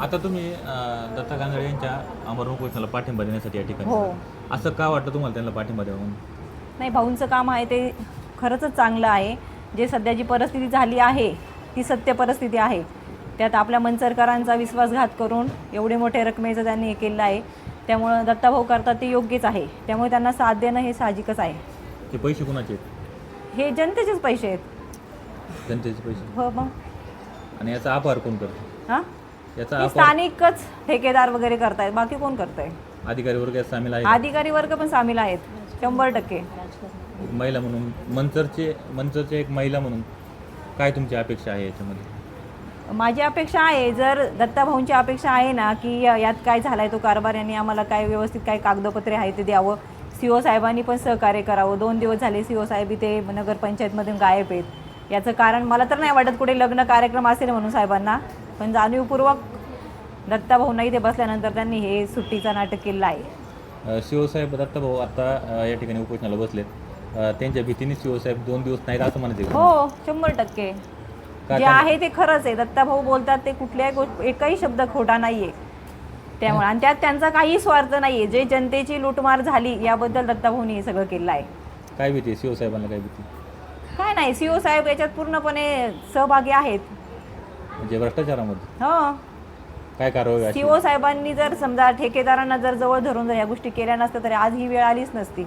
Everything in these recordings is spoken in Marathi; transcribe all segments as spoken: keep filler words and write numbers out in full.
आता तुम्ही अं, दत्ता गांगडे यांच्या आमरण उपोषणाला पाठिंबा देण्यासाठी या ठिकाणी हो. आला. असं का वाटतं तुम्हाला त्यांना पाठिंबा द्यावा म्हणून? नाही, भाऊंचं काम आहे ते खरंच चांगलं आहे. जे सध्या जी परिस्थिती झाली आहे ती सत्य परिस्थिती आहे. त्यात आपल्या मंचरकरांचा विश्वासघात करून एवढे मोठे रकमेचं त्यांनी हे केलं आहे. त्यामुळं दत्ताभाऊ करतात ते योग्यच आहे. त्यामुळे त्यांना साथ देणं हे साहजिकच आहे. हे पैसे कुणाचे आहेत? हे जनतेचेच पैसे आहेत. जनतेचे पैसे. हो मग. आणि याचा आभार कोण करतो? हां याचा हे आभार स्थानिकच ठेकेदार वगैरे करतायत, बाकी कोण करतंय? अधिकारी वर्ग यात सामील आहे. अधिकारी वर्ग पण सामील आहेत शंभर टक्के. एक महिला म्हणून मंचरचे मंचरचे एक महिला म्हणून काय तुमची अपेक्षा आहे याच्यामध्ये? माझी अपेक्षा आहे, जर दत्ताभाऊंची अपेक्षा आहे ना की यात काय झालाय तो कारभार, यांनी आम्हाला काय व्यवस्थित काय कागदपत्रे आहे ते द्यावं. सी ओ साहेबांनी पण सहकार्य करावं. दोन दिवस झाले सी ओ साहेब इथे नगरपंचायतमधून गायब आहेत. याचं कारण मला तर नाही वाटत कुठे लग्न कार्यक्रम असेल म्हणून साहेबांना, पण जाणीवपूर्वक दत्ताभाऊंना इथे बसल्यानंतर त्यांनी हे सुट्टीचं नाटक केलं आहे. सी ओ साहेब दत्ताभाऊ आता अ, या ठिकाणी उपोषणाला बसलेत. अ, त्यांच्या भीतीने सी ओ साहेब दोन दिवस नाहीत असं म्हणते का? हो, शंभर टक्के का जे त्यांना- आहे ते खरंच आहे. दत्ताभाऊ बोलतात ते कुठल्याही गोष्ट एकही शब्द खोटा नाही आहे. त्यामुळे आणि त्यात त्यांचा काही स्वार्थ नाही आहे. जे जनतेची लूटमार झाली याबद्दल दत्ताभाऊनी हे सगळं केलं आहे. काय भीती सी ओ साहेबांना? काय भीती? काय नाही, सी ओ साहेब याच्यात पूर्णपणे सहभागी आहेत. म्हणजे भ्रष्टाचारामध्ये हो, काय कारवाई अशी? सी ओ साहेबांनी जर समजा ठेकेदारांना जर जवळ धरून जर या गोष्टी केल्या नसत्या तर आज ही वेळ आलीच नसती.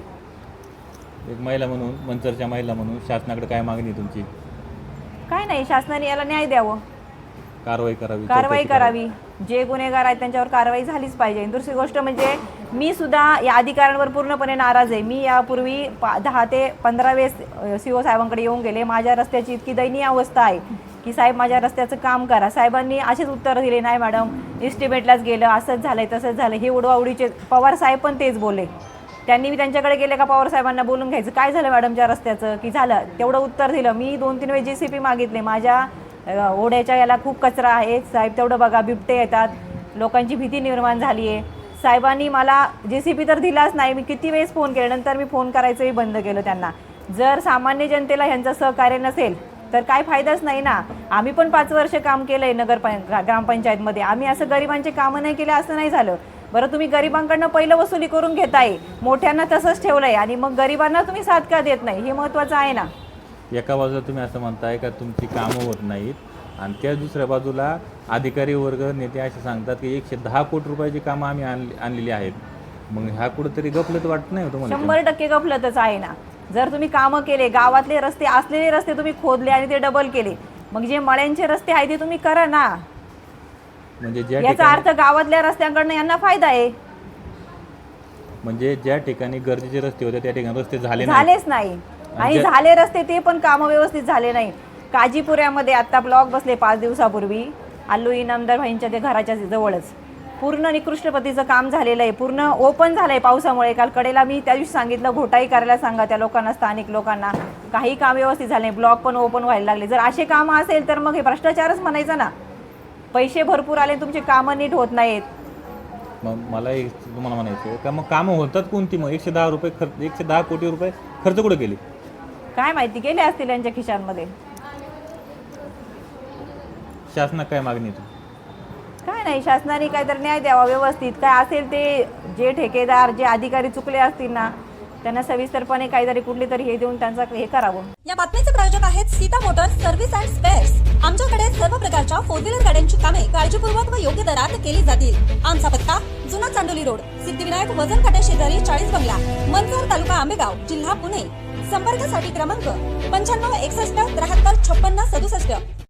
एक महिला म्हणून, मंचरच्या महिला म्हणून शासनाकडे काय मागणी आहे तुमची? काय नाही, शासनाने याला न्याय द्यावं, कारवाई करावी, कारवाई चौकशी करावी. जे गुन्हेगार आहेत त्यांच्यावर कारवाई झालीच पाहिजे. दुसरी गोष्ट म्हणजे मी सुद्धा या अधिकाऱ्यांवर पूर्णपणे नाराज आहे. मी यापूर्वी पा दहा ते पंधरा वेळेस सी ओ साहेबांकडे येऊन गेले. माझ्या रस्त्याची इतकी दयनीय अवस्था आहे की साहेब माझ्या रस्त्याचं काम करा. साहेबांनी असेच उत्तर दिले, नाही मॅडम इस्टिमेटलाच गेलं, असंच झालंय तसंच झालं. हे उडवाउडीचे पवार साहेब पण तेच बोलले. त्यांनी मी त्यांच्याकडे गेले का पवार साहेबांना बोलून घ्यायचं, काय झालं मॅडमच्या रस्त्याचं, की झालं तेवढं उत्तर दिलं. मी दोन तीन वेळेस जे सी पी मागितले, माझ्या ओढ्याच्या याला खूप कचरा आहे साहेब, तेवढं बघा, बिबटे येतात, लोकांची भीती निर्माण झाली आहे. साहेबांनी मला जे सी पी तर दिलाच नाही. मी किती वेळेस फोन केले, नंतर मी फोन करायचंही बंद केलं त्यांना. जर सामान्य जनतेला ह्यांचं सहकार्य नसेल तर काय फायदाच नाही ना. आम्ही पण पाच वर्ष काम केलं आहे नगर ग्रामपंचायतमध्ये. आम्ही असं गरिबांचे कामं नाही केले असं नाही झालं. बरं, तुम्ही गरिबांकडनं पहिलं वसुली करून घेताय, मोठ्यांना तसंच ठेवलं आहे, आणि मग गरिबांना तुम्ही साथ का देत नाही, हे महत्त्वाचं आहे ना. एका बाजूला तुम्ही असं म्हणताय का तुमची कामं होत नाहीत, आणि त्या दुसऱ्या बाजूला अधिकारी वर्ग नेते असे सांगतात की एकशे दहा कोटी रुपयाची कामं आम्ही आणली आणलेली आहेत. मग ह्या कुठंतरी गफलत वाटत नाही तुम्हाला? शंभर टक्के गफलतच आहे ना. जर तुम्ही कामं केले, गावातले रस्ते असलेले रस्ते तुम्ही खोदले आणि ते डबल केले, मग जे मळ्यांचे रस्ते आहेत ते तुम्ही करा ना. म्हणजे ज्या याचा अर्थ गावातल्या रस्त्यांकडनं यांना फायदा आहे. म्हणजे ज्या ठिकाणी गरजेचे रस्ते होते त्या ठिकाणी रस्ते झाले नाही. झालेच नाही, आणि झाले रस्ते ते पण कामं व्यवस्थित झाले नाही. काजीपुऱ्यामध्ये आता ब्लॉक बसले पाच दिवसापूर्वी, अल्लू इनामदार भाईंच्या ते घराच्या जवळच पूर्ण निकृष्ट पद्धतीचं काम झालेलं आहे. पूर्ण ओपन झालंय पावसामुळे. काल कडेला मी त्या दिवशी सांगितलं घोटाई करायला सांगा त्या लोकांना, स्थानिक लोकांना. काही काम व्यवस्थित झाले नाही, ब्लॉक पण ओपन व्हायला लागले. जर असे कामं असेल तर मग हे भ्रष्टाचारच म्हणायचं ना. पैसे भरपूर आले, तुमचे कामं नीट होत नाहीत. मग मला एक तुम्हाला म्हणायचं का, मग कामं होतात कोणती? मग एकशे दहा रुपये खर्च, एकशे दहा कोटी रुपये खर्च कुठे केले? काय माहिती गेले असतील यांच्या खिशांमध्ये. शासनात काय मागणी आहे? काय नाही, शासनाने काहीतरी न्याय द्यावा व्यवस्थित. काय असेल ते, जे ठेकेदार जे अधिकारी चुकले असतील ना त्यांना सविस्तरपणे काहीतरी कुठली तरी हे देऊन त्यांचं हे करावं. या बातमीचे प्रायोजक आहेत Sita motors service and spares. आमच्याकडे सर्व प्रकारच्या फोर व्हीलर गाड्यांची कामे काळजीपूर्वक व योग्य दरात केली जातील. आमचा पत्ता जुना चांडोली रोड, सिद्धिविनायक वजन काट्या शेजारी चाळीस बंगला, मंचर, तालुका आंबेगाव, जिल्हा पुणे. संपर्कासाठी क्रमांक पंच्याण्णव एकसष्ट त्र्याहत्तर छप्पन्न सदुसष्ट.